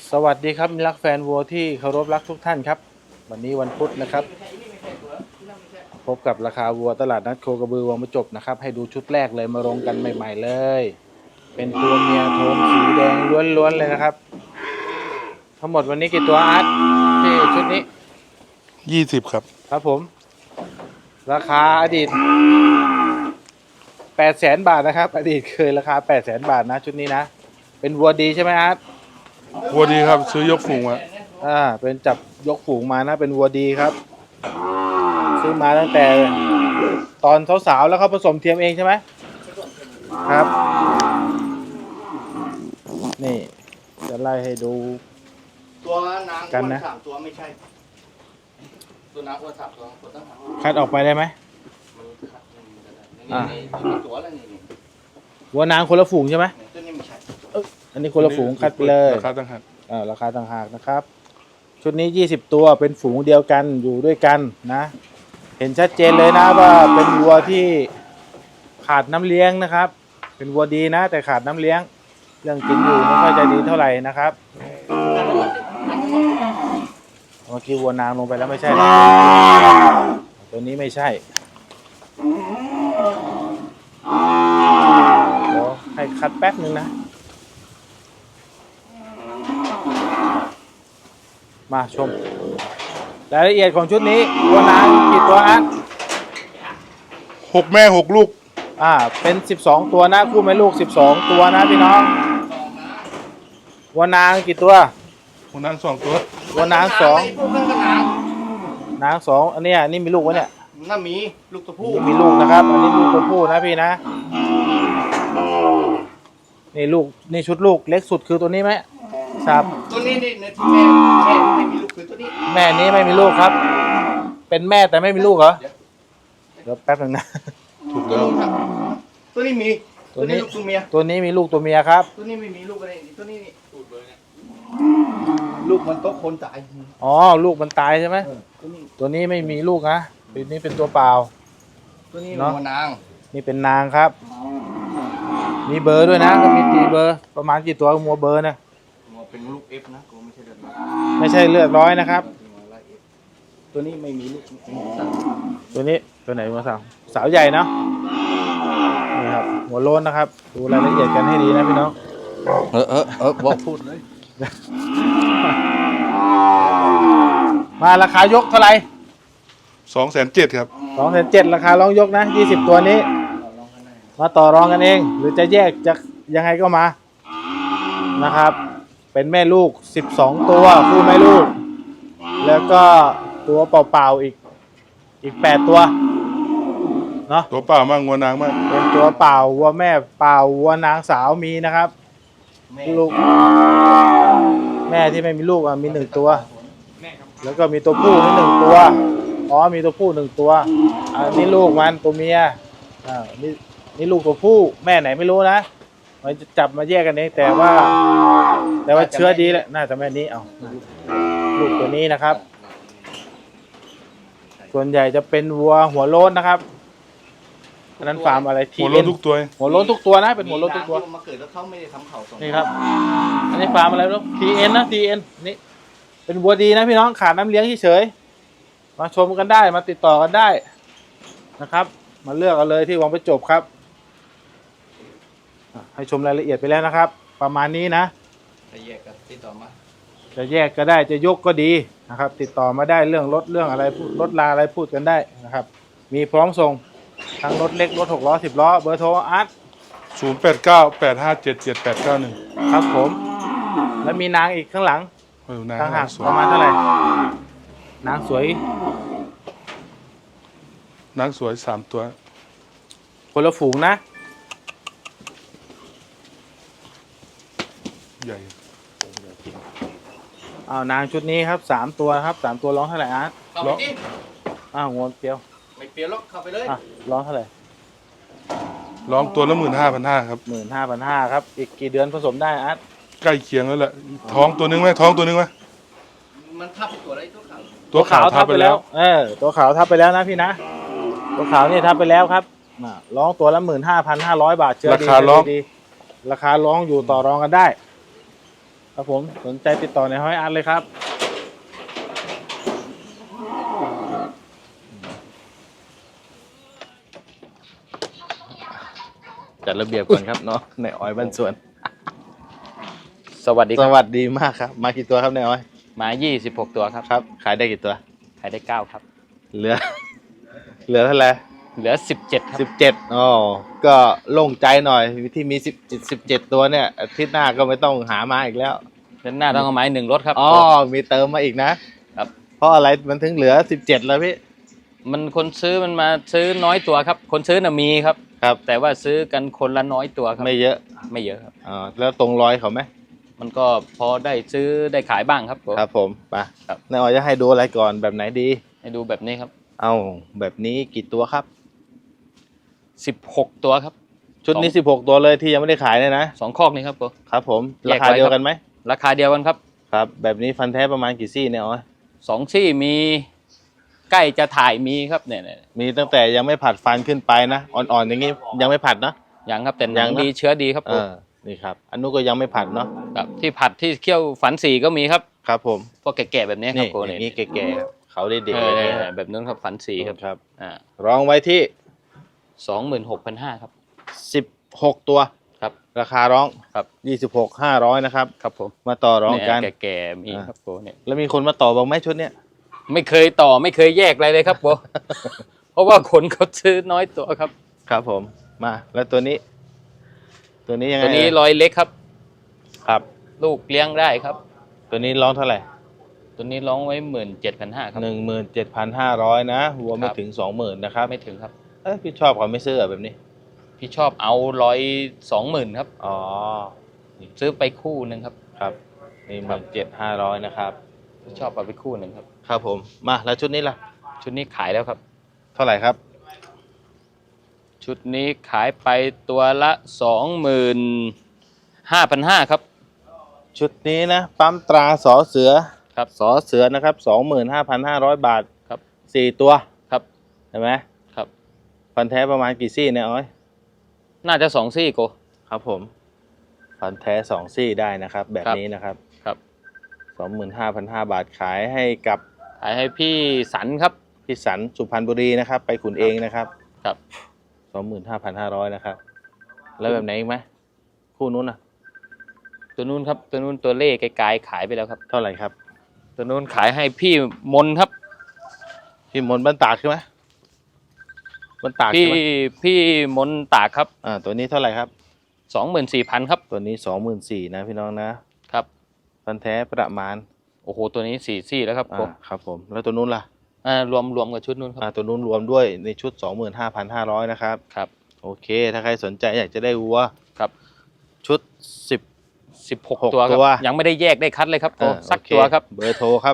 สวัสดีครับมิตรรักแฟนวัวที่เคารพรักทุกท่านครับวันนี้วันพุธนะครับพบกับราคาวัวตลาดนัดโคกระบือวังประจบนะครับให้ดูชุดแรกเลยมาลงกันใหม่ๆเลยเป็นตัวเมียโทนสีแดงล้วนๆเลยนะครับทั้งหมดวันนี้กี่ตัวอาร์ตที่ชุดนี้ 20ครับครับผมราคาอดีต800,000 บาทนะครับอดีตเคยราคา800,000 บาทนะชุดนี้นะเป็นวัวดีใช่ไหมอาร์ตวัวดีครับซื้อยกฝูงมาเป็นจับยกฝูงมานะเป็นวัวดีครับซื้อมาตั้งแต่ตอนสาวๆแล้วเขาผสมเทียมเองใช่ไหมครับนี่จะไล่ให้ดูตัวนางอ้วน3 ตัวไม่ใช่ตัวนางอ้วน3 ตัวต้องคัดออกไปได้ไหมนี่ตัวแล้วนี่วัวนางคนละฝูงใช่ไหมตัวนี้ไม่ใช่อันนี้คนละฝูงคัดไปเลยราคาต่างหากราคาต่างหากนะครับชุดนี้20 ตัวเป็นฝูงเดียวกันอยู่ด้วยกันนะเห็นชัดเจนเลยนะว่าเป็นวัวที่ขาดน้ำเลี้ยงนะครับเป็นวัวดีนะแต่ขาดน้ำเลี้ยงเรื่องกินอยู่ไม่ค่อยจะดีเท่าไหร่นะครับเมื่อกี้วัวนางลงไปแล้วไม่ใช่นะตัวนี้ไม่ใช่เดี๋ยวให้คัดแป๊บนึงนะมาชมรายละเอียดของชุดนี้วัวนางกี่ตัวอัน 6 แม่ 6 ลูกเป็น12 ตัวนะคู่แม่ลูก12 ตัวนะพี่น้องวัวนางกี่ตัววัวนาง2 ตัววัวนาง2นาง2อันนี้นี่มีลูกวะเนี่ยน่ามีลูกตัวผู้มีลูกนะครับอันนี้ลูกตัวผู้นะพี่นะนี่ลูกนี่ชุดลูกเล็กสุดคือตัวนี้ไหมครับตัวนี้นี่แม่ไม่มีลูกคือตัวนี้แม่นี้ไม่มีลูกครับเป็นแม่แต่ไม่มีลูกเหรอเดี๋ยวแป๊บนึงนะถูกแล้วตัวนี้มีตัวนี้ลูกตัวเมียตัวนี้มีลูกตัวเมียครับตัวนี้ไม่มีลูกอะไรตัวนี้นี่ตูดเลยเนี่ยลูกมันโตคนตายอ๋อลูกมันตายใช่ไหมตัวนี้ไม่มีลูกนะตัวนี้เป็นตัวเปล่าตัวนี้เป็นนางนี่เป็นนางครับมีเบอร์ด้วยนะก็มีตีเบอร์ประมาณกี่ตัวมัวเบอร์นะเป็นลูก F นะกูไม่ใช่เลือดร้อยนะครับตัวนี้ไม่มีลูกตัวนี้ตัวไหนมาสาวใหญ่เนาะนี่ครับหัวโล้นนะครับดูรายละเอียดกันให้ดีนะพี่น้องบอกพูดเลยมาราคายกเท่าไหร่ 270,000ครับ 270,000ราคาลองยกนะ20 ตัวนี้มาต่อรองกันเองหรือจะแยกจะยังไงก็มานะครับเป็นแม่ลูก12 ตัวคู่แม่ลูกแล้วก็ตัวเปล่าๆอีก8 ตัวเนาะตัวเปล่ามากวัวนางมากเป็นตัวเปล่าวัวแม่เปล่าวัวนางสาวมีนะครับลูกแม่ที่ไม่มีลูกมี1 ตัวแล้วก็มีตัวผู้นี่1 ตัวมีตัวผู้1 ตัวนี่ลูกมันตัวเมียนี่ลูกตัวผู้แม่ไหนไม่รู้นะมันจะจับมาแยกกันเองแต่ว่าเชื้อดีแหละน่าจะแม่นี้ลูกตัวนี้นะครับส่วนใหญ่จะเป็นวัวหัวโล้นนะครับอันนั้นฟาร์มอะไรหัวโล้นทุกตัวหัวโล้นทุกตัวนะเป็นหัวโล้นทุกตัวมาเกิดแล้วเขาไม่ได้ทำเข่าส่งนี่ครับอันนี้ฟาร์มอะไรลูก TN นะ TN นี่เป็นวัวดีนะพี่น้องขาดน้ำเลี้ยงเฉยมาชมกันได้มาติดต่อกันได้นะครับมาเลือกเอาเลยที่วังประจบครับให้ชมรายละเอียดไปแล้วนะครับประมาณนี้นะจะแยกก็ติดต่อมาจะแยกก็ได้จะยกก็ดีนะครับติดต่อมาได้เรื่องรถเรื่องอะไรรถลาอะไรพูดกันได้นะครับมีพร้อมส่งทั้งรถเล็กรถ6 ล้อ10 ล้อเบอร์โทรอาร์ต 0898577891 ครับผมแล้วมีนางอีกข้างหลังต่างหากประมาณเท่าไหร่นางสวย 3 ตัวคนละฝูงนะใหญ่นางชุดนี้ครับ3 ตัวครับ3 ตัวร้องเท่าไหร่อาร์ตร้องงวงเปรี้ยวไม่เปรี้ยวหรอกเข้าไปเลยร้องเท่าไหร่ร้องตัวละ15,500ครับ 15,500ครับอีกกี่เดือนผสมได้อาร์ตใกล้เคียงแล้วแหละท้องตัวนึงไหมมันทับตัวอะไรตัวขาวทับไปแล้วตัวขาวทับไปแล้วนะพี่นะตัวขาวนี่ทับไปแล้วครับร้องตัวละ15,500 บาทเชื่อดีราคาร้องอยู่ต่อรองกันได้ครับผมสนใจติดต่อในห้อยอาร์ตเลยครับ จัดระเบียบก่อนครับเนาะในอ้อยบ้านสวนสวัสดีสครับวัสดีมากครับ มากี่ตัวครับในอ้อยมา26ตัวครับครับ ขายได้กี่ตัวขายได้9ครับเหลือ เหลือเท่าไหร่เหลือ17ครับ 17อ๋อก็โล่งใจหน่อยที่มี17ตัวเนี่ยอาทิตย์หน้าก็ไม่ต้องหามาอีกแล้วเดือนหน้าต้องเอาไม้1รถครับอ๋อมีเติมมาอีกนะครับ เพราะอะไรมันถึงเหลือ17แล้วพี่มันคนซื้อมันมาซื้อน้อยตัวครับ คนซื้อน่ะมีครับครับแต่ว่าซื้อกันคนละน้อยตัวครับไม่เยอะไม่เยอะครับอ๋อแล้วตรงร้อยเขาไหมมันก็พอได้ซื้อได้ขายบ้างครับผมครับผมไปครับนายออยจะให้ดูอะไรก่อนแบบไหนดีให้ดูแบบนี้ครับเอาแบบนี้กี่ตัวครับ 16ตัวครับชุดนี้16ตัวเลยที่ยังไม่ได้ขายเนี่ยนะ 2คอกนี้ครับผมครับผมแยราก คาไว้เดียวครับกันไหมราคาเดียวกันครับครับ แบบนี้ฟันแท้ประมาณกี่ซี่เนี่ยอ๋อย 2ซี่มีใกล้จะถ่ายมีครับเนี่ยมีตั้งแต่ยังไม่ผัดฟันขึ้นไปนะอ่อนๆอย่างนี้ยังไม่ผัดเนาะอย่างครับแต่หยันังงนะดีเชื้อดีครับผมนี่ครับอันนู้นก็ยังไม่ผัดเนาะครับที่ผัดที่เคี่ยวฝันสีก็มีครับครับผมพวกแก่ๆแบบนี้ครันี่บโกอย่างนี้แก่ๆครับเขาได้เด็กเออย่างอนี้ครับแบบนั้นครับฝันสีครับครับารองไว้ที่ 26,500ครับ 16 ตัวครับราคาร้องครับ 26,500นะครับครับผมมาต่อรองกันเนี่ยแก่ๆมีครับโกเนี่ยแล้วมีคนมาต่อบ้างไหมชุดเนี้ยไม่เคยต่อไม่เคยแยกอะไรเลยครับโก เพราะว่าคนเขาซื้อน้อยตัวครับครับผมมาแล้วตัวนี้ ตัวนี้ยังไงตัวนี้เอ่ยรอยเล็กครับครับลูกเลี้ยงได้ครับตัวนี้ร้องเท่าไหร่ตัวนี้ร้องไว้17,500ครับ 17,500นะวัวไม่ครับถึง 20,000นะครับไม่ถึงครับพี่ชอบเขาไม่ซื้อเหรอแบบนี้พี่ชอบเอา120,000ครับอ๋อซื้อไปคู่หนึ่งครับครับนี่17,500นะครับพี่ชอบเอาไปคู่หนึ่งครับครับผมมาแล้วชุดนี้ล่ะชุดนี้ขายแล้วครับเท่าไหร่ครับชุดนี้ขายไปตัวละ25,500ครับชุดนี้นะปั๊มตราสอเสือครับสอเสือนะครับ 25,500 บาทครับ 4 ตัวครับเห็นไหมครับฟันแท้ประมาณกี่ซี่เนี่ยอ้อยน่าจะ2ซี่โกครับผมฟันแท้2ซี่ได้นะครับ แบบครับนี้นะครับครับ 25,500 บาทขายให้กับขายให้พี่สันครับพี่สันสุพรรณบุรีนะครับ ไปขุนเองนะครับครับ 25,500นะครับ แล้วแบบไหนอีกไหมคู่นู้นน่ะตัวนู้นครับตัวนู้นตัวเล่ไกลๆขายไปแล้วครับเท่าไหร่ครับตัวนู้นขายให้พี่มนครับพี่มนต์บ้านตากใช่ไหมบ้านตากใช่พี่ไหมพี่มนตากครับตัวนี้เท่าไหร่ครับ 24,000ครับตัวนี้ 24,000นะพี่น้องนะครับ ฟันแท้ประมาณโอ้โหตัวนี้4ซี่แล้วครับผมครับผมแล้วตัวนู้นล่ะรวมกับชุดนู้นครับตัวนู้นรวมด้วยในชุด 25,500นะครับครับโอเค ถ้าใครสนใจอยากจะได้วัวครับชุด 16ตัวครัตับวยังไม่ได้แยกได้คัดเลยครับโก 10 สักโอเคตัวครับเบอร์โทรครับ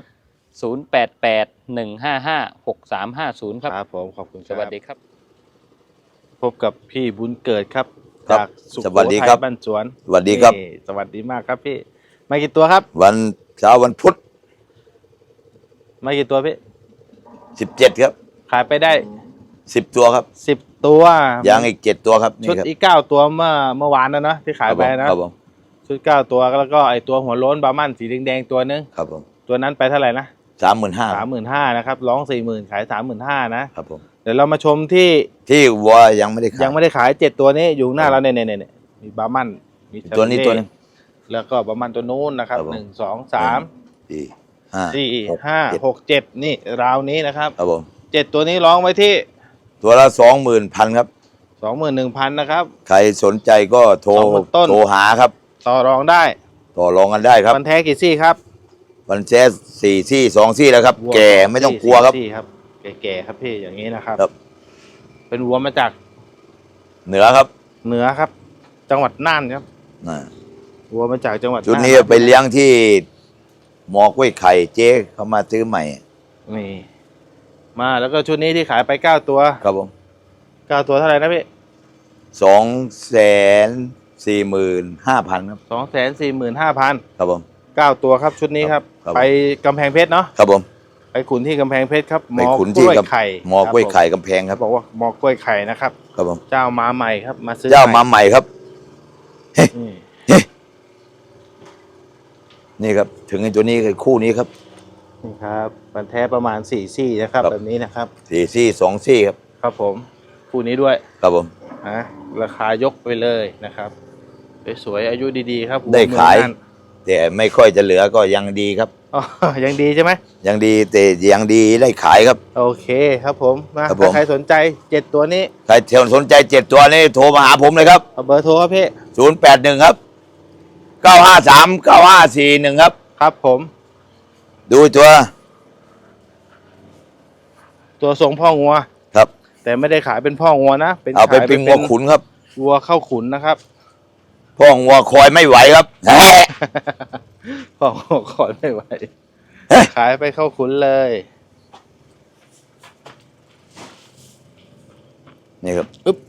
0881556350ครับครับผมขอบคุณคสรับวัสดีครับพบกับพี่บุญเกิดครับครับจากสุโขสวัสดีทัครัยบบ้านสวนสวัสดีครับนี่สวัสดีมากครับพี่มากี่ตัวครับวันเช้าวันพุธมากี่ตัวพี่ 17ครับขายไปได้ 10 ตัวครับ 10 ตัวยางอีก7ตัวครับชุดนี่ครับอีก9ตัวเมื่อวานนะเนอะที่ขายไปนะครับผมชุด9ตัวแล้วก็ไอตัวหัวโล้นบาร์มันสีแดงๆตัวนึงครับผมตัวนั้นไปเท่าไหร่นะ 35,000 35,000นะครับร้อง 40,000ขาย 35,000นะครับผมเดี๋ยวเรามาชมที่ที่วัวยังไม่ได้ขายยังไม่ได้ขาย7ตัวนี้อยู่หน้าเราเนี่ยมีบาร์มันมีตัวนี้ชาตัวเล่นึงแล้วก็บาร์มันตัวนู้นนะครับครับผม 1 2 3 4 5 4 5 6 7นี่ราวนี้นะครับครับผม 7ตัวนี้ร้องไว้ที่ตัวละ 20,000ครับ 21,000นะครับใครสนใจก็โทร 20,000ต้นโทรหาครับต่อรองได้ต่อรองกันได้ครับมันแท้กี่ซี่ครับวันแจ๊ส4ซี่2ซี่แล้วครับวัวแก่ไม่ต้องกลัวครับ 4ซี่ครับแก่ๆครับพี่อย่างนี้นะครับครับเป็นวัวมาจากเหนือครับเหนือครับ จังหวัดน่านครับน่ะวัวมาจากจังหวัดชุดน่านนี้ไปเลี้ยงที่หมอกล้วยไข่เจ๊เขามาซื้อใหม่นี่มาแล้วก็ชุดนี้ที่ขายไป9ตัวครับผม 9ตัวเท่าไหร่นะพี่ 245,000ครับ 245,000 ครับผม 9ตัวครับชุดนี้ครับครับไปกำแพงเพชรเนาะครับผมไปขุนที่กำแพงเพชรครับหมไปอขุนกที่ล้วยกับไข่หมอกล้วยไข่กำแพงครับบอกว่าหมอกล้วยไข่นะครับครับผมเจ้ามาใหม่ครับมาซื้อเจ้าใหมาใหม่ครับนี่เฮ้นี่ครับ ถึงไอ้ตัวนี้คือคู่นี้ครับนี่ครับฟันแท้ประมาณ4 ซี่นะครับครับแบบนี้นะครับ 4 ซี่ 2 ซี่ครับครับผมคู่นี้ด้วยครับผมนะราคายกไปเลยนะครับสวยๆอายุดีๆครับได้ขายหัวเมืองน่นแต่ไม่ค่อยจะเหลือก็ยังดีครับอ๋อยังดีใช่ไหมยังดีแต่ยังดีได้ขายครับโอเคครับผมนะครับผมถ้าใครสนใจ7ตัวนี้ใครสนใจ7ตัวนี้โทรมาหาผมเลยครับเอาเบอร์โทรครับพี่ 081ครับ953 9541ครับครับผมดูตัวตัวทรงพ่องัวครับแต่ไม่ได้ขายเป็นพ่องัวนะเอาไปขายเป็นงัวขุนครับวัวเข้าขุนนะครับพ่องัวคอยไม่ไหวครับแฮะพ่องัวขอนไม่ไหวเฮ้ยขายไปเข้าขุนเลยนี่ครับ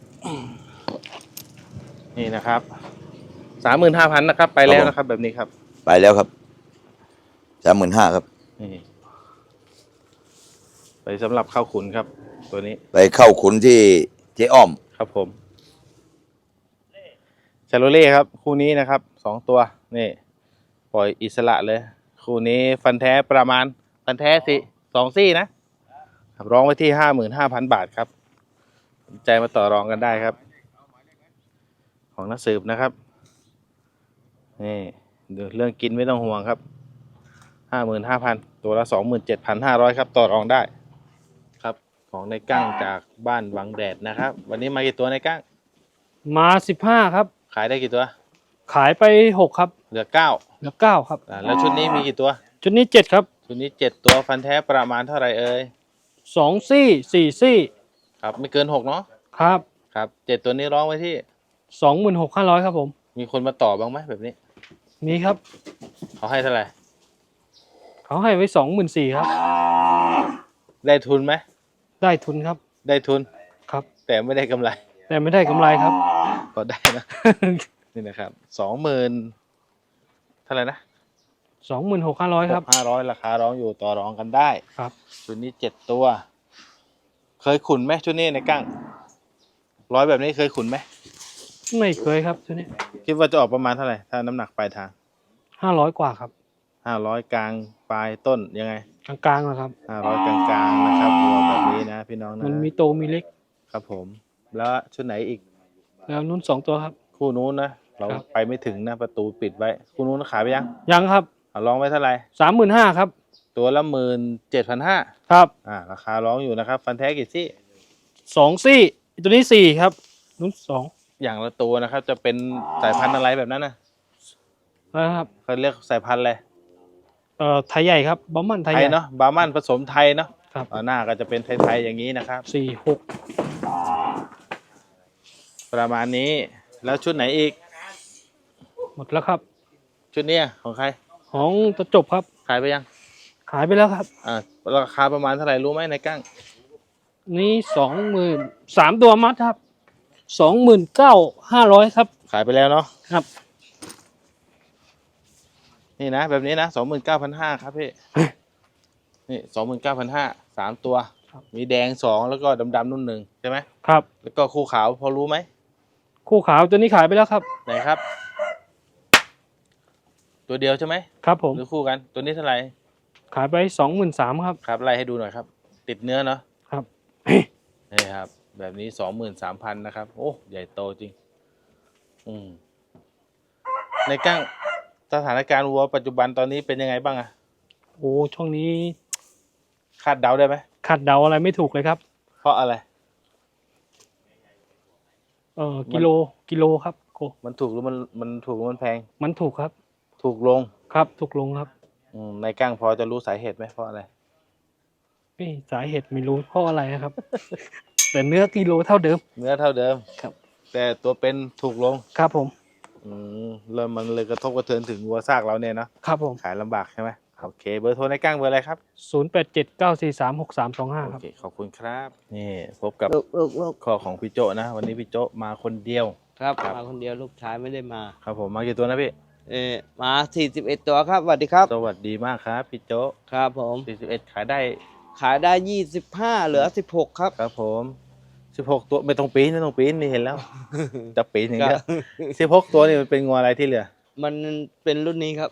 นี่นะครับ35,000นะครับ ไปแล้วนะครับ แบบนี้ครับไปแล้วครับ35,000ครับนี่ไปสำหรับเข้าขุนครับ ตัวนี้ไปเข้าขุนที่เจ๊อ้อมครับผมชาโลเล่ครับ คู่นี้นะครับ2 ตัวนี่ปล่อยอิสระเลย คู่นี้ฟันแท้ประมาณฟันแท้2 ซี่นะครับร้องไว้ที่55,000 บาทครับสนใจมาต่อรองกันได้ครับ ของนักสืบนะครับนี่เรื่องกินไม่ต้องห่วงครับ55,000ตัวละ27,500ครับต่อรองได้ครับ ของในกั้งจากบ้านวังแดดนะครับ วันนี้มากี่ตัวในกั้งมา15ครับขายได้กี่ตัวขายไป6ครับเหลือ9 เหลือ9ครับแล้วชุดนี้มีกี่ตัวชุดนี้7ครับชุดนี้7ตัวฟันแท้ประมาณเท่าไหร่เอ่ย 2ซี่4ซี่ครับไม่เกิน6เนาะครับครับ7ตัวนี้ร้องไว้ที่ 26,500ครับผมมีคนมาต่อบ้างไหมแบบนี้มีครับเขาให้เท่าไหร่เขาให้ไว้24,000ครับได้ทุนไหมได้ทุนครับได้ทุนครับแต่ไม่ได้กำไรแต่ไม่ได้กำไรครับก็ได้นะ นี่นะครับ20,000เท่าไหร่นะ 26,500ครับ 500ราคาร้องอยู่ต่อรองกันได้ครับชุดนี้7ตัว เคยขุนไหมชุดนี้ในกั้งร้อยแบบนี้เคยขุนไหมไม่เคยครับชุดนี้คิดว่าจะออกประมาณเท่าไหร่ถ้าน้ำหนักปลายทาง 500กว่าครับ 500กลางปลายต้นยังไงกลางๆนะครับ 500กลางๆนะครับวัวแบบนี้นะพี่น้องนะมันมีโตมีเล็กครับผม แล้วชุดไหนอีกแล้วนุ่น2ตัวครับคู่นู้นนะเราครับไปไม่ถึงนะประตูปิดไว้คู่นู้นขายไปยังยังครับร้องไว้เท่าไหร่ 35,000ครับตัวละ17,500 ครับราคาร้องอยู่นะครับ ฟันแท้กี่ซี่ 2ซี่ตัวนี้4ครับนุ่น2 อย่างละตัวนะครับ จะเป็นสายพันธุ์อะไรแบบนั้นนะนะครับเขาเรียกสายพันธุ์อะไรไทยใหญ่ครับบอมมันไทยไทใหยญ่เนาะบาร์มันผสมไทยเนาะครับหน้าก็จะเป็นไทยๆอย่างนี้นะครับ 46 ประมาณนี้แล้วชุดไหนอีกหมดแล้วครับชุดเนี้ยของใครของตะจบครับขายไปยังขายไปแล้วครับราคาประมาณเท่าไหร่รู้ไหมในกั้งนี่23,000ตัวมัดครับ29,500ครับขายไปแล้วเนาะครับนี่นะแบบนี้นะ29,500ครับพี่ นี่29,500 3 ตัว มีแดง2แล้วก็ดำๆนุ่นหนึ่งใช่ไหมครับแล้วก็คู่ขาวพอรู้ไหมคู่ขาวตัวนี้ขายไปแล้วครับไหนครับ ตัวเดียวใช่ไหมครับผมหรือคู่กันตัวนี้เท่าไหร่ขายไป23,000ครับครับไล่ให้ดูหน่อยครับ ติดเนื้อเนาะครับนี่ครับ แบบนี้23,000นะครับ โอ้ใหญ่โตจริง ในกั้งสถานการณ์วัวปัจจุบันตอนนี้เป็นยังไงบ้างอะโอ้ช่วงนี้คาดเดาได้ไหมขัดเดาอะไรไม่ถูกเลยครับเพราะอะไรกิโลครับโกมันถูกหรือมันถูกหรือมันแพงมันถูกครับถูกลงครับถูกลงครับในกั้งพอจะรู้สาเหตุไหมเพราะอะไรนี่สาเหตุไม่รู้เพราะอะไรนะครับ แต่เนื้อกิโลเท่าเดิมเนื้อเท่าเดิมครับแต่ตัวเป็นถูกลงครับผมเริ่มมันเลยกระทบกระเทือนถึงวัวซากเราเนี่ยเนาะครับผมขายลำบากใช่ไหมโอเค เบอร์โทรในกั้งเบอร์อะไรครับ 0879436325 โอครับเคขอบคุณครับ นี่พบกับลูกข้อของพี่โจนะ วันนี้พี่โจมาคนเดียวครับครับมาคนเดียวลูกชายไม่ได้มาครับผมมากี่ตัวนะพี่มา41ตัวครับสวัสดีครับสวัสดีมากครับพี่โจครับผม 41ขายได้ขายได้25เหลือ16ครับครับผม16ตัวไม่ต้องปีนไม่ต้องปีนนี่เห็นแล้ว จะปีนอย่างเดียว16ตัวนี่มันเป็นงัวอะไรที่เหลือมันเป็นรุ่นนี้ครับ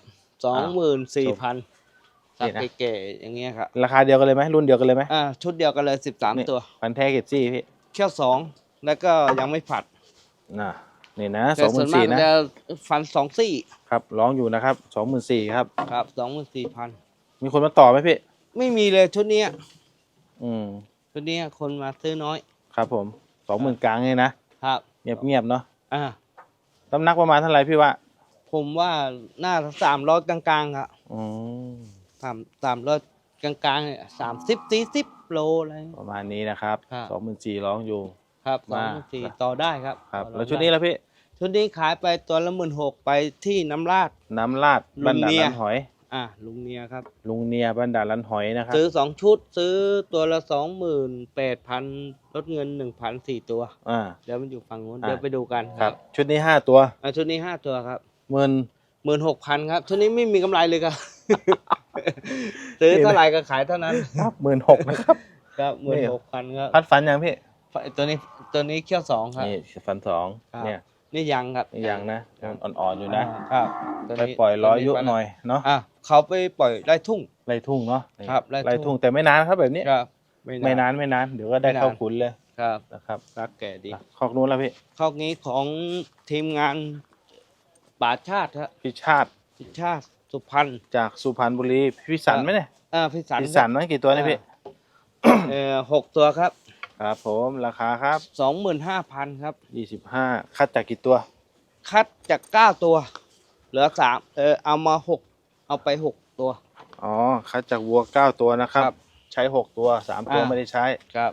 24,000 นี่สักนะเก๋ๆอย่างเงี้ยครับราคาเดียวกันเลยไหมรุ่นเดียวกันเลยไหมชุดเดียวกันเลย13 ตัวพันธุ์แท้เกรดซี่พี่เขี้ยว2แล้วก็ยังไม่ผัดน่ะนี่นะแต่ส่วนมาก 24,000นะจะฟัน2ซี่ครับร้องอยู่นะครับ24,000ครับครับ 24,000 มีคนมาต่อไหมพี่ไม่มีเลยชุดเนี้ยอืมชุดเนี้ยคนมาซื้อน้อยครับผม20,000กลางเลยนะครับ เงียบๆเนาะอ่าน้ำหนักประมาณเท่าไหร่พี่ว่าผมว่าน่าจะ300กลางๆครับอืม 300กลางๆเนี่ย30-40 โลอะไรประมาณนี้นะครับครับ 24,000ร้องอยู่ครับมา 24,000ต่อได้ครับครับต่อแล้วชุดนี้ไแล้วพี่ชุดนี้ขายไปตัวละ16,000ไปที่น้ำราดน้ำลาดลุบ้านงด่านเนียลันหอยลุงเนียครับลุงเนียบ้านด่านลันหอยนะครับซื้อ2ชุดซื้อตัวละ28,000ลดเงิน 1,000 4 ตัวอ่าเดี๋ยวมันอยู่ฝั่งนู้นอ่าเดี๋ยวไปดูกันครับ ชุดนี้5ตัวชุดนี้5ตัวครับ 16,000 ครับชุดนี้ไม่มีกำไรเลยครับ ซื้อเท่าไหร่ก็ขายเท่านั้นครับ16,000นะครับครับ16,000ครับพัดฝันยังพี่ตัวนี้เขี้ยว2ครับนี่ฝันสองครับเนี่ยนี่ยังครับนี่ยังนะอ่อนๆอยู่นะครับตัวไปนี้ปล่อยร้อยยุตัวหน่อยเนาะเขาไปปล่อยไร่ทุ่งไล่ทุ่งเนาะครับไล่ทุ่งไล่ทุ่งแต่ไม่นานครับแบบนี้ครับไม่นานเดี๋ยวก็ได้ไม่นานเข้าขุนเลยครับนะครับรักแก่ดีคอกนู้นแล้วพี่ข้อนี้ของทีมงานป่าชาติครับพี่ชาติพิชาติสุพรรณจากสุพรรณบุรีพี่สันไหมเนี่ยพิสันพี่สันมั้งกี่ตัวเนี่ยพี่ 6 ตัวครับครับผมราคาครับ 25,000ครับ 25คัดจากกี่ตัวคัดจาก9ตัวเหลือ3เอามา6เอาไป6ตัวอ๋อคัดจากวัว9ตัวนะครับครับใช้6ตัว3ตัวไม่ได้ใช้ครับ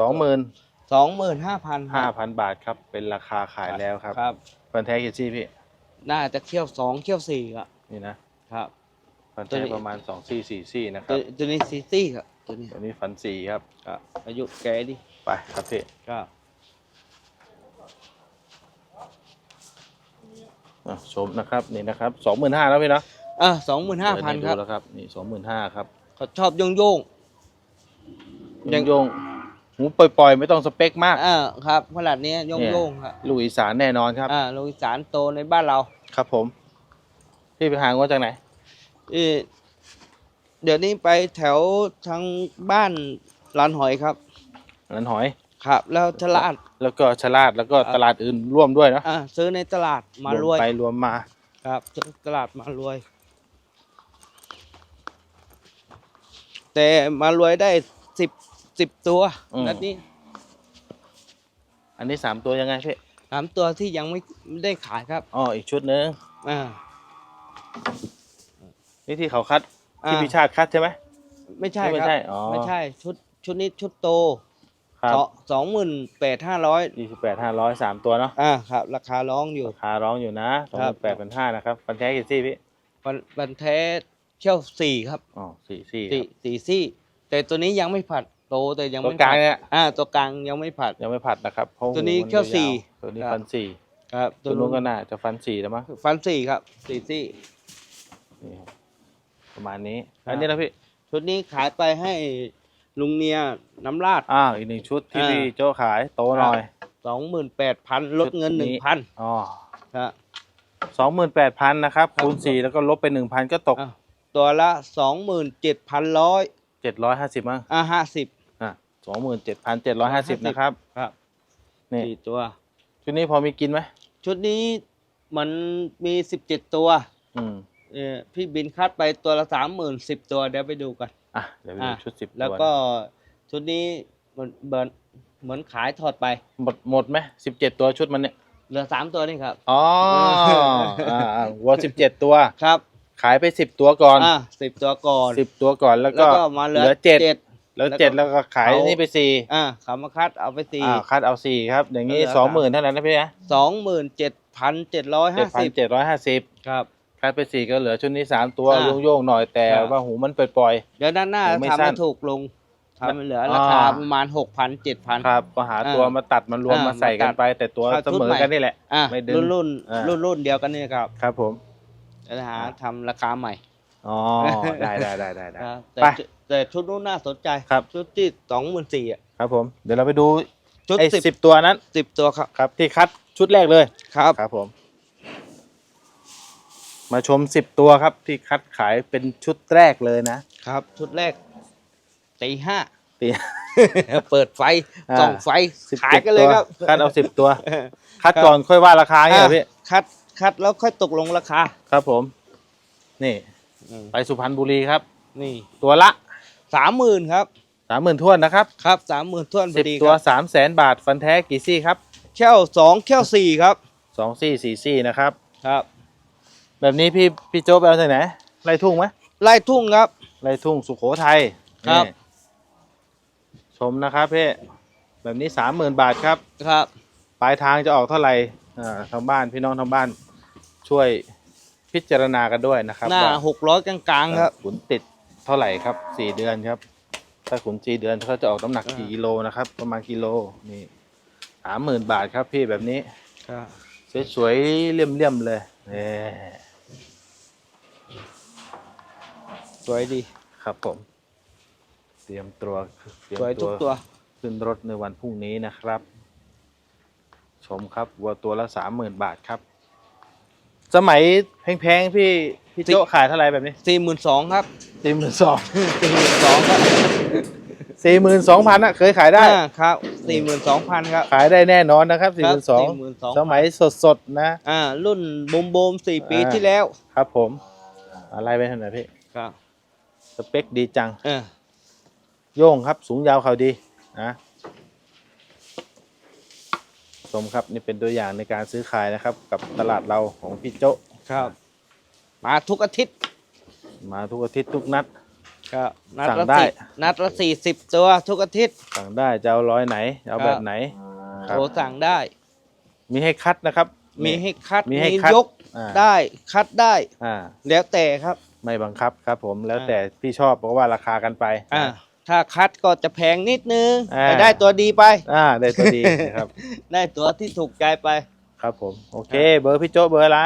25,000 25,000 บาทครับเป็นราคาขายแล้วครับครับฟันแท้กี่ซี่พี่น่าจะเขี้ยว2เขี้ยว4ครับนี่นะครับ ฟันตัวแท้นี้ประมาณ2ซี่4ซี่นะคตัรัวบตัวนี้ซีซี่ครับตัวนี้ตัวนี้ฟัน4ครับครับอายุแก่ดิไปครับพี่ครับชมนะครับนี่นะครับ25,000แล้วพี่เนาะ 25,000 ครับเดี๋ยวดูแล้วครับนี่25,000ครับเขาชอบโยงยังโยงหูปล่อยๆ ไม่ต้องสเปคมากครับขนาดนี้โยงครับลูกอีสานแน่นอนครับโลกอีสานโตในบ้านเราครับผม พี่ไปหางว่าจากไหนเดี๋ยวนี้ไปแถวทางบ้านลานหอยครับนันหอยครับ แล้วตลาดแล้วก็ชลาดแล้วก็ตลาดอื่นร่วมด้วยเนาะซื้อในตลาดมารวยไปรวมมาครับซื้อตลาดมารวย แต่มารวยได้10ตัวนัดนี้อันนี้3ตัวยังไงพี่ 3 ตัวที่ยังไม่ได้ขายครับอ๋ออีกชุดหนึงอ่านี่ที่เขาคัดที่อ่าพิชาติคัดใช่ไหมไม่ใช่ไม่ครับใช่อ๋อไม่ใช่ชุดนี้ชุดโตครับ 28,500 28,500 3ตัวเนาะครับ ราคาร้องอยู่ราคาร้องอยู่นะครับ 28,500นะครับฟันแท้กี่ซี่พี่บันแท้เขี้ยว4ครับอ๋อ4ซี่สี่ซี่ แต่ตัวนี้ยังไม่ผัดโตแต่ยังตัวไม่กลางผัดเนี่ยตัวกลางยังไม่ผัดยังไม่ผัดนะครับเพราะตัวนี้หูมัเขี้ยวสี่ตัวนี้ครับฟัน4 ครับตัวนู้นก็น่าจะฟัน4แล้วมั้งฟัน4ครับ4ซี่นี่ครับประมาณนี้ครับอันนี้นะพี่ชุดนี้ขายไปให้ลุงเนียน้ำราดอีก1ชุดที่อ่าพี่โจ้ขายโตหน่อย 28,000ลดเงินชุดนี้ 1,000 อ๋อครับ 28,000นะครับครับคูณ4แล้วก็ลบไป 1,000 ก็ตกตัวละ 27,100 750มั้ง 50 อ่ะ27,750นะครับครับนี่ 4ตัวชุดนี้พอมีกินไหมชุดนี้มันมี17ตัวอืมพี่บินคัดไปตัวละ30,010ตัวเดี๋ยวไปดูกันเดี๋ยวไปดูชุด10 แล้วตัวก็ชุดนี้เหมือนขายถอดไปหมดไหม17 ตัวชุดมันเนี่ยเหลือ3ตัวนี่ครับอ๋อวัว17 ตัวครับขายไป10 ตัวก่อน 10 ตัวก่อน 10 ตัวก่อนแล้วแล้วก็ก็มาเหลือ 7 7 แล้วแล้วก็ 7แล้วก็ขายนี่ไป4 เขามาคัดเอาไปคัดเอา4ครับ อย่างนี้เหลือ 20,000เท่านั้นนะพี่นะ 27,750 7,750 ครับคัดไป4ก็เหลือชุดนี้3ตัวอ่าโยงๆหน่อยแต่ครับว่าหูมันปล่อยเดี๋ยวด้านหน้าผมไม่ทำสั้ให้นถูกลงทำให้เหลือราคาประมาณ 6,000 7,000 ๆครับก็หาตัวมาตัดมารวมมาใส่กันไป แต่ตัวเข้าเสชุดมอใหม่กันนี่แหละ ไม่ดึงรุ่นอ่ารุ่นเดียวกันนี่ครับครับผมจะหาทำราคาใหม่อ๋อได้ครับแต่ไปแต่ชุดนู้นน่าสนใจครับชุดที่24,000อ่ะครับผมเดี๋ยวเราไปดูชุดไอ้ 10 10 ตัวนั้น 10 ตัวครับครับที่คัดชุดแรกเลยครับครับผมมาชม10 ตัวครับที่คัดขายเป็นชุดแรกเลยนะครับชุดแรกตีห้าตีเปิดไฟอ่าส่องไฟ 17 ขายกันเลยครับตัวคัดเอา10 ตัว คัดก่อนค่อยว่าราคาเนี่ยเหรอพี่คัดแล้วค่อยตกลงราคาครับผม นี่ไปสุพรรณบุรีครับนี่ตัวละ 30,000ครับ 30,000ท้วนนะครับครับ30,000ท้วนพอดี 10 คตัวรับ 300,000 บาทฟันแท้กี่ซี่ครับแค่ว2แค่ว4ครับ 2 ซี่4 ซี่นะครับครับแบบนี้พี่โจ๊กไปเอาที่ไหนไร่ทุ่งไหมไล่ทุ่งครับไร่ทุ่งสุโขทัยครับนี่ชมนะครับพี่แบบนี้ 30,000 บาทครับครับปลายทางจะออกเท่าไหร่ทางบ้านพี่น้องทางบ้านช่วยพิจารณากันด้วยนะครับหน้าว่า 600กลางๆครับขุนติดเท่าไหร่ครับ4 เดือนครับ ถ้าขุน4 เดือนเขาจะออกน้ำหนักกี่กิโลนะครับ ประมาณกิโลนี่30,000 บาทครับพี่แบบนี้ครับสวยๆเลี่ยมๆเลยนี่สวยดีครับผม เตรียมตัวสวยทุกตัวขึ้นรถในวันพรุ่งนี้นะครับ ชมครับวัวตัวละ 30,000 บาทครับ สมัยแพงๆพี่โจ๊กขายเท่าไหร่แบบนี้ 42,000ครับ 42,000 ครับ 42,000นะเคยขายได้ครับ 42,000ครับขายได้แน่นอนนะครับครับ 42,000 42,000 สมัยสดๆนะรุ่นบูม4 ปีที่แล้วครับผมอะไรไปทางไหนพี่ครับสเปคดีจังเออโย่งครับสูงยาวเขาดีนะชมครับนี่เป็นตัวอย่างในการซื้อขายนะครับ กับตลาดเราของพี่โจ๊ะครับ มาทุกอาทิตย์มาทุกอาทิตย์ทุกนัดครับนัดสั่งละได้นัดละ40 ตัวทุกอาทิตย์สั่งได้จะเอาร้อยไหนจะเอาแบบไหนคโทรับรสั่งได้มีให้คัดนะครับมีให้คัดมีให้คัดยกอ่าได้คัดได้อ่าแล้วแต่ครับไม่บังคับครับผมแล้วแต่พี่ชอบเพราะว่าราคากันไปถ้าคัดก็จะแพงนิดนึงอ่าแต่ได้ตัวดีไปได้ตัวดีนะครับได้ตัวที่ถูกใจไปครับผมโอเค เบอร์พี่โจ๊ะเบอร์อะไร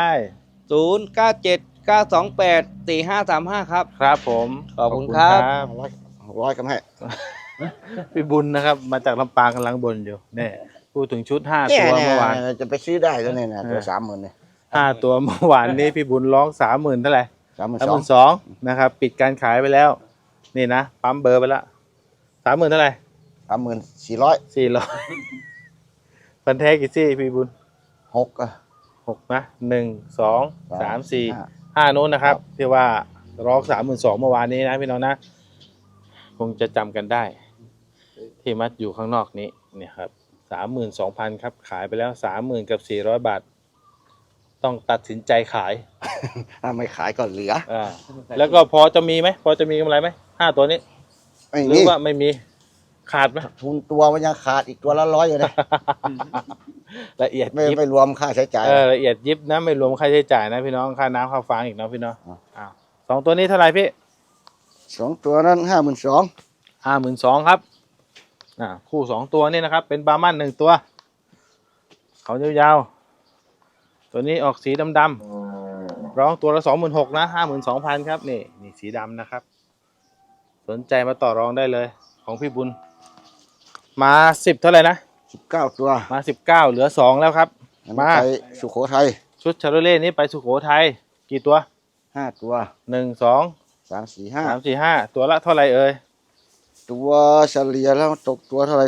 0979284535 ครับครับผมขอบคุณครับร้อยกันให้พี่บุญนะครับ มาจากลำปางกำลังบนอยู่เนี่ยพูดถึงชุด5 เนี่ยตัวเมื่อวานจะไปซื้อได้แล้วเนี่ยนะตัวเออ 30,000เนี่ย 5 ตัวเมื่อวานนี้พี่บุญร้อง 30,000เท่าไหร่ 32,000 32,000นะครับ ปิดการขายไปแล้ว นี่นะปั๊มเบอร์ไปแล้ว30,000เท่าไหร่ 34,000 400พันแท้กี่ซี่พี่บุญ 6อ่ะ 6นะ1 2 3 4 ห้า 5นู้นนะครับที่ว่าร้อง32,000เมื่อวานนี้นะพี่น้องนะคงจะจำกันได้ ที่มัดอยู่ข้างนอกนี้เนี่ยครับ32,000ครับขายไปแล้ว30,000กับ400 บาท ต้องตัดสินใจขายถ้าไม่ขายก็เหลือแล้วก็พอจะมีไหมพอจะมีกำไรไหม5 ตัวนี้ไม่หรืมีอว่าไม่มีขาดไหมทุนตัวมันยังขาดอีกตัวละ100อยู่เลยละเอียดไม่ยิบไม่รวมค่าใช้จ่ายละเอียดยิบนะไม่รวมค่าใช้จ่ายนะพี่น้องค่าน้ำค่าฟางอีกเนาะพี่น้องอ่าอ้าว2 ตัวนี้เท่าไหร่พี่ 2 ตัวนั้น 52,000 52,000ครับคู่ 2 ตัวนี่นะครับ เป็นบาร์มัน1 ตัว เขายาวๆตัวนี้ออกสีดำๆร้องตัวละ 26,000นะ52,000ครับนี่สีดำนะครับ สนใจมาต่อรองได้เลย ของพี่บุญ มา10เท่าไหร่นะ 19 ตัวมา19เหลือ2แล้วครับอันมานี้ไปสุโขทัยชุดชาโรเล่นี้ไปสุโขทัยกี่ตัว 5 ตัว 1 2 3 4 3 4 5ตัวละเท่าไหร่เอ่ย 5 ตัวเฉลี่ยแล้วตกตัวเท่าไหร่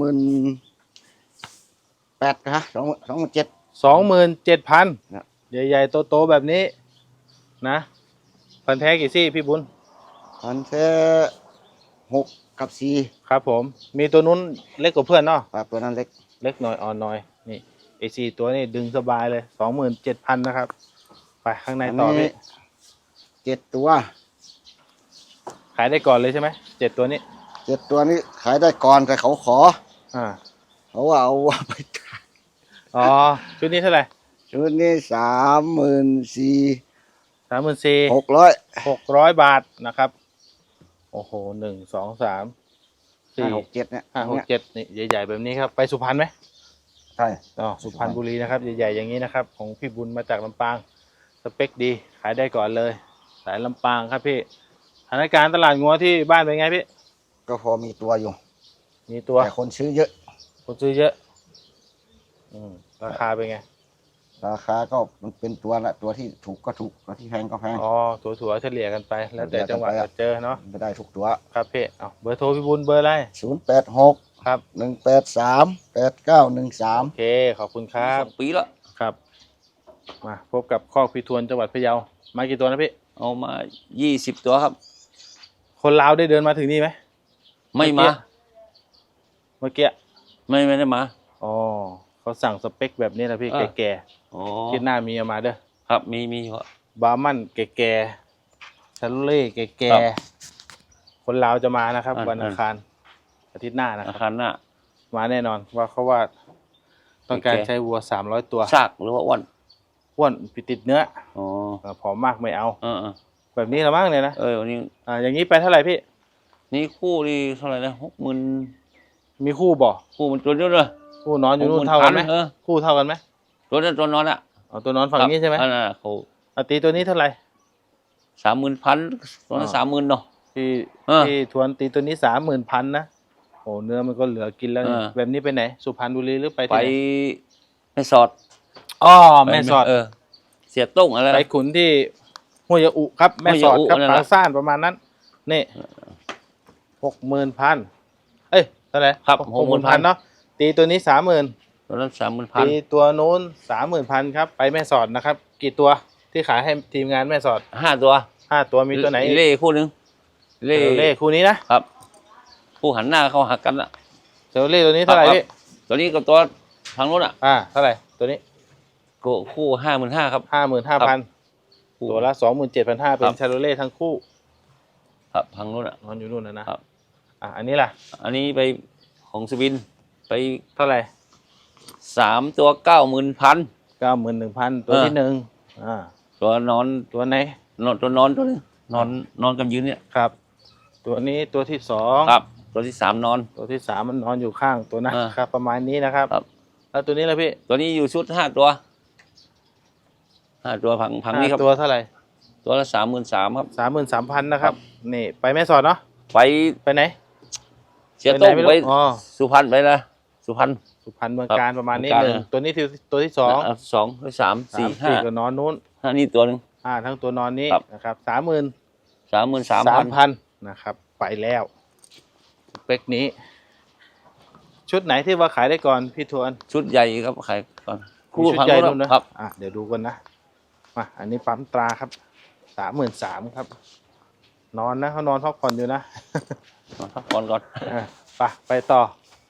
28,000ฮะ27,000 27,000 ครับใหญ่ๆโตๆแบบนี้นะพันแท้กี่ซี่พี่บุญอันแท้6กับ4 ครับผมมีตัวนู้นเล็กกว่าเพื่อนเนาะครับตัวนั้นเล็กเล็กหน่อยอ่อนหน่อยนี่ไอซีตัวนี้ดึงสบายเลย 27,000นะครับ ไปข้างในต่อพี่ 7 ตัวขายได้ก่อนเลยใช่ไหม7 ตัวนี้ 7 ตัวนี้ขายได้ก่อนแต่เขาขออ่าเขาว่าเอาไปขายอ๋อชุดนี้เท่าไหร่ชุดนี้34,600 34,600 บาทนะครับโอ้โห1 2 3 4 6 7เนี่ย 5 6 7นี่ใหญ่ๆแบบนี้ครับไปสุพรรณไหมใช่สุพรรณบุรีนะครับใหญ่ๆอย่างนี้นะครับของพี่บุญมาจากลำปางสเปคดีขายได้ก่อนเลยสายลำปางครับพี่สถานการณ์ตลาดงัวที่บ้านเป็นไงพี่ก็พอมีตัวอยู่มีตัวแต่คนซื้อเยอะคนซื้อเยอะราคาเป็นไงราคาก็มันเป็นตัวละตัวที่ถูกก็ถูกตัวที่แพงก็แพงอ๋อถั่วเฉลี่ยกันไป แล้วแต่จังหวะจะเจอเนาะไม่ได้ทุกตัวครับพี่เอาเบอร์โทรพี่บุญเบอร์อะไร 086 ครับ 183 8913 โอเคขอบคุณครับ 2 ปีแล้วครับมาพบกับคอกพี่ทวนจังหวัดพะเยามากี่ตัวนะพี่เอามา20 ตัวครับคนลาวได้เดินมาถึงนี่ไหมไม่มาเมื่อกี้ไม่ได้มาอ๋อเขาสั่งสเปคแบบนี้นะพี่ แก่อ๋อๆคิดหน้ามีเอามาเด้อครับมีครับบาร์มันแก่ๆชาโลเล่แก่ครับๆคนลาวจะมานะครับอ่าวันอังคารอาทิตย์หน้านะคอารับคารหน้ามาแน่นอนว่าต้องการแก่ๆใช้วัว300ตัวซากหรือว่าอ้วนอ้วนปิดติดเนื้ออ๋อผอมมากไม่เอาเออแบบนี้ละมั้งเนี่ยนะวันนี้อย่างนี้ไปเท่าไหร่พี่นี่คู่นี่เท่าไหร่นะ60,000 มีคู่บ่คู่มันตัวเดียวเลยคู่นอนอยู่นู่นเท่ากันไหม คู่เท่ากันไหมตัวนั้นตัวนอนอ่ะเอาตัวนอนฝั่งนี้ใช่ไหมเขาตีตัวนี้เท่าไหร่ 30,000ตัวนั้น30,000เนาะที่เออที่ทวนตีตัวนี้30,000นะโอ้เนื้อมันก็เหลือกินแล้วนี่ แบบนี้ไปไหน สุพรรณบุรีหรือไปไปที่ไหนแม่สอดอ๋อแม่สอดเสียต้งอะไรไปขุนที่ห้วยยะอุครับ แม่สอดห้วยยะอุครับนั่นแหละปางซ่านประมาณนั้นนี่60,000เอ้ยเท่าไหร่ครับ 60,000เนาะตีตัวนี้30,000 ตัวนั้น30,000 ตีตัวนู้น30,000ครับไปแม่สอดนะครับ กี่ตัวที่ขายให้ทีมงานแม่สอด 5 ตัว 5 ตัวมีตัวไหนอีกเล่คู่หนึงเล่คู่นี้นะครับคู่หันหน้าเข้าหากันอ่ะเซลเล่ตัวนี้เท่าไหร่ครับพี่ตัวนี้กับตัวทางโน้นอ่ะเท่าไหร่ตัวนี้ก็คู่55,000ครับ 55,000 คู่ตัวละ27,500เป็ครันบชาโรเล่ทั้งคู่ครับทางโน้นอ่ะนอนอยู่นู่นนะครับ อันนี้ล่ะอันนี้ไปของสวินไปเท่าไหร่ 3 ตัว 90,000 91,000ตัวที่หนึ่งตัวนอนตัวไหนตัวนอนตัวนึงนอนกับยืนเนี่ยครับ ตัวนี้ตัวที่สองครับ ตัวที่3นอนตัวที่สามมันนอนอยู่ข้างตัวนะอ่าครับ ประมาณนี้นะครับครับแล้วตัวนี้ล่ะพี่ตัวนี้อยู่ชุด5 ตัว5 ตัวผังนี้ครับตัวเท่าไหร่ตัวละ33,000ครับ 33,000นะครับนี่ไปแม่สอดเนาะไปไปไหนเสียโต้งไปไหนไม่รู้ไปอ๋อสุพรรณไปนะสุพรรณสุพรรณเมืองการประมาณนี้เมืองกาญหนึ่งตัวนี้ตัวที่สองสองหรือสามสี่สี่ห้าก็นอนนู้นนี่ตัวหนึ่งทั้งตัวนอนนี้ครับนะครับ 33,000 นะครับ ไปแล้วเป๊กนี้ ชุดไหนที่ว่าขายได้ก่อนพี่ทวนชุดใหญ่ครับขายก่อนมีชุดใหญ่พันู่งนนะครับ เดี๋ยวดูกันนะมาอันนี้ปั๊มตราครับ33,000ครับ นอนนะเขานอนพักผ่อนอยู่นะพักผ่อนก่อนไปต่อ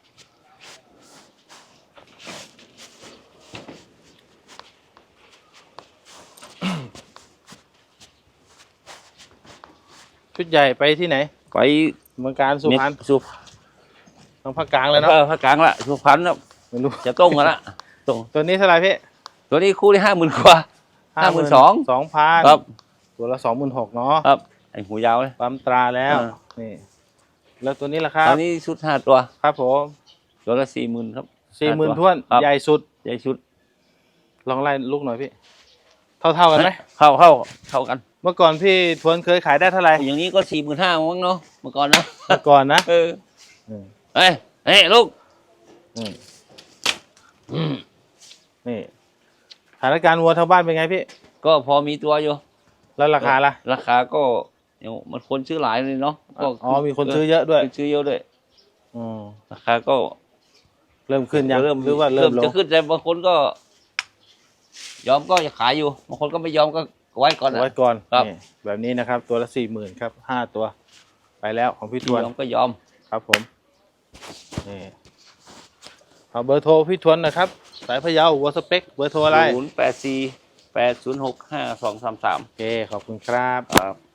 ชุดใหญ่ไปที่ไหนไปเมืองการสุพรรณสุทางภาคกลางเลยเนาะภาคกลางละสุพรรณครับไม่รู้จะต้งกันละต้งตัวนี้เท่าไหร่พี่ตัวนี้คู่ที่50,000 กว่า 52,000 ครับตัวละ26,000เนาะครับไอหูยาวเลยปั๊มตราแล้ว นี่ แล้วตัวนี้ล่ะครับตอนนี้ชุด5 ตัวครับผมตัวละ40,000ครับ 40,000ท้วนครับใหญ่สุดใหญ่ชุดลองไล่ลูกหน่อยพี่ เท่ากันไหมเข้ากันเมื่อก่อนพี่ทวนเคยขายได้เท่าไหร่อย่างนี้ก็45,000มั้งเนาะเมื่อก่อนนะเมื่อก่อนนะเอออืมเฮ้ยลูกนี่สถานการณ์วัวทางบ้านเป็นไงพี่ก็พอมีตัวอยู่แล้วราคาล่ะราคาก็เดี๋ยวมันคนซื้อหลายเลยเนาะก็มีคนซื้อเยอะด้วยคนซื้อเยอะด้วยอืมราคาก็เริ่มขึ้นยังหรือว่าเริ่มลจะงขึ้นแต่บางคนก็ ยอมก็จะขายอยู่บางคนก็ไม่ยอมก็ไว้ก่อนนะไว้ก่อนครับนี่แบบนี้นะครับ ตัวละ40,000ครับ5ตัว ไปแล้วของพี่ทวนยอมก็ยอมครับผมนี่เอาเบอร์โทรพี่ทวนนะครับ สายพะเยาวัวสเปคเบอร์โทรอะไร 084 806 5233 โอเคขอบคุณครับครับ